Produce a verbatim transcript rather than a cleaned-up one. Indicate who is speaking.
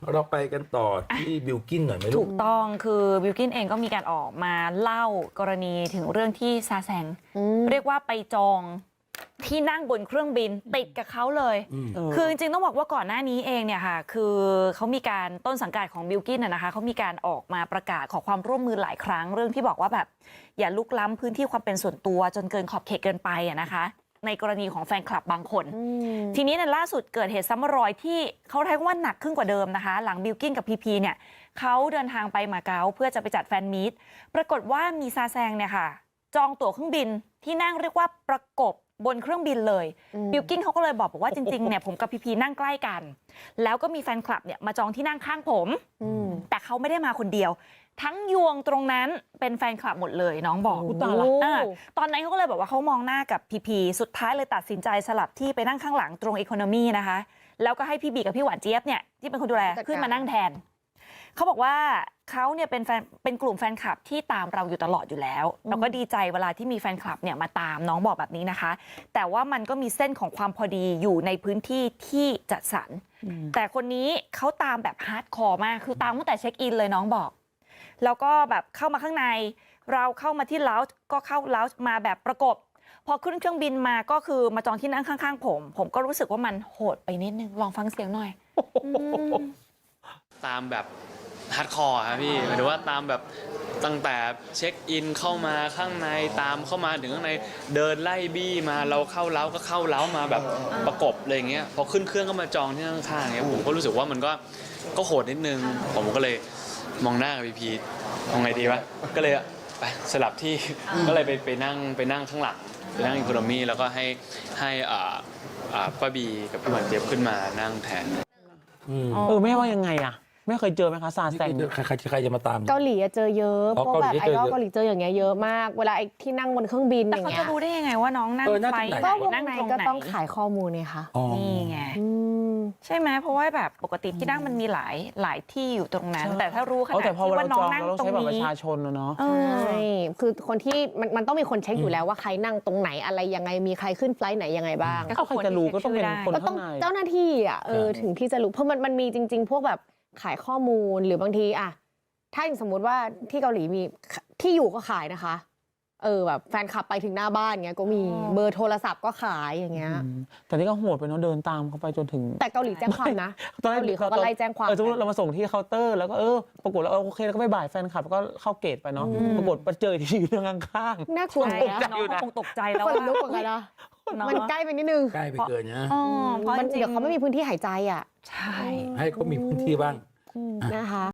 Speaker 1: เราไปกันต่อที่บิลกินหน่อยไหมลูก
Speaker 2: ถูกต้องคือบิลกินเองก็มีการออกมาเล่ากรณีถึงเรื่องที่ซาแซงเรียกว่าไปจองที่นั่งบนเครื่องบินติดกับเขาเลยคือจริงๆต้องบอกว่าก่อนหน้านี้เองเนี่ยค่ะคือเขามีการต้นสังกัดของบิลกินนะคะเขามีการออกมาประกาศขอความร่วมมือหลายครั้งเรื่องที่บอกว่าแบบอย่าลุกล้ำพื้นที่ความเป็นส่วนตัวจนเกินขอบเขตเกินไปอะนะคะในกรณีของแฟนคลับบางคนทีนี้ในล่าสุดเกิดเหตุซ้ำรอยที่เขาเรียกว่าหนักขึ้นกว่าเดิมนะคะหลังบิลกินกับพีพีเนี่ยเขาเดินทางไปมาเก๊าเพื่อจะไปจัดแฟนมีตปรากฏว่ามีซาแซงเนี่ยค่ะจองตั๋วเครื่องบินที่นั่งเรียกว่าประกบบนเครื่องบินเลยบิลกินเขาก็เลยบอกบอกว่าจริงๆเนี่ยผมกับพีพีนั่งใกล้กันแล้วก็มีแฟนคลับเนี่ยมาจองที่นั่งข้างผมแต่เขาไม่ได้มาคนเดียวทั้งยวงตรงนั้นเป็นแฟนคลับหมดเลยน้องบอกตอนตอนนั้นเขาก็เลยบอกว่าเขามองหน้ากับพีพีสุดท้ายเลยตัดสินใจสลับที่ไปนั่งข้างหลังตรงอีโคโนมีนะคะแล้วก็ให้พี่บีกับพี่หวานเจี๊ยบเนี่ยที่เป็นคนดูแลขึ้นมานั่งแทนเขาบอกว่าเขาเนี่ยเป็นแฟนเป็นกลุ่มแฟนคลับที่ตามเราอยู่ตลอดอยู่แล้วเราก็ดีใจเวลาที่มีแฟนคลับเนี่ยมาตามน้องบอกแบบนี้นะคะแต่ว่ามันก็มีเส้นของความพอดีอยู่ในพื้นที่ที่จัดสรรแต่คนนี้เขาตามแบบฮาร์ดคอร์มากคือตามตั้งแต่เช็คอินเลยน้องบอกแล้วก็แบบเข้ามาข้างในเราเข้ามาที่ลาวจ์ก็เข้าลาวจ์มาแบบประกบพอขึ้นเครื่องบินมาก็คือมาจองที่นั่งข้างๆผมผมก็รู้สึกว่ามันโหดไปนิดนึงลองฟังเสียงหน่อย
Speaker 3: ตามแบบฮาร์ดคอร์ครับพี่หมายถึงว่าตามแบบตั้งแต่เช็คอินเข้ามาข้างในตามเข้ามาถึงข้างในเดินไล่บี้มาเราเข้าเล้าก็เข้าเล้ามาแบบประกบเลยอย่างเงี้ยพอขึ้นเครื่องก็มาจองที่ข้างๆเงี้ยผมก็รู้สึกว่ามันก็ก็โหดนิดนึงผมก็เลยมองหน้ากับพีพีทำไงดีวะก็เลยไปสลับที่ก็เลยไปไปนั่งไปนั่งข้างหลังไปนั่งอีโคโนมีแล้วก็ให้ให้อ่าอ่าป้าบีกับพี่หวานเจี๊ยบขึ้นมานั่งแทน
Speaker 4: เออแม่ว่ายังไงอะไม่เคยเจอไหมคะซาแซง
Speaker 1: ใครใครจะมาตาม
Speaker 5: เกาหลีเจอเยอะพวกแบบไอดอลเกาหลีเจออย่างเงี้ยเยอะมากเวลาไอที่นั่งบนเครื่องบินอย่างเงี้ย
Speaker 2: แต่เขาจะรู้ได้ยังไงว่าน้องนั่งไฟ
Speaker 5: ก็วงในก็ต้องขายข้อมูลเนี่ยค่ะ
Speaker 2: นี่ไงใช่ไหมเพราะว่าแบบปกติที่นั่งมันมีหลายหลายที่อยู่ตรงนั้นแต่ถ้ารู้ขนาดที่ว่าน้องนั่งตรงนี้
Speaker 4: ประชาชนเนาะ
Speaker 5: ใช่คือคนที่มันมันต้องมีคนเช็คอยู่แล้วว่าใครนั่งตรงไหนอะไรยังไงมีใครขึ้นไฟล์ไหนยังไงบ้าง
Speaker 4: ก็ใครจะรู้ก็ต้องเป็นคนข้างใน
Speaker 5: เจ้าหน้าที่อ่ะเออถึงที่จะรู้เพราะมันมันมีจริงๆพวกแบบขายข้อมูลหรือบางทีอะถ้าอย่างสมมุติว่าที่เกาหลีมีที่อยู่ก็ขายนะคะเออแบบแฟนคลับไปถึงหน้าบ้านเงี้ยก็มีเบอร์โทรศัพท์ก็ขายอย่างเงี้ย
Speaker 4: แต่นี่ก็โหดไปเนาะเดินตามเขาไปจนถึง
Speaker 5: แต่เกาหลีแจ้งความนะเกาหลีเขาก็ไล่แจ้งความ
Speaker 4: เออสมมติเรามาส่งที่เคาน์เตอร์แล้วก็เออปรากฏแล้วโอเคแล้วก็ไปบ่ายแฟนคลับก็เข้าเกตไปเนาะปรากฏไปเจอที่อยู่เรื่องข้าง
Speaker 5: ๆน่ากลัว
Speaker 2: นะน้องคงตกใจแล้ว
Speaker 5: คนลุกเหมือนกันนะมันใกล้ไปนิดนึง
Speaker 1: ใกล้ไปเกินนะ
Speaker 5: เพราะเดี๋ยวเขาไม่มีพื้นที่หายใจอ่ะ
Speaker 2: ใช่
Speaker 1: ให้เขามีพื้นที่บ้าง
Speaker 5: นะคะ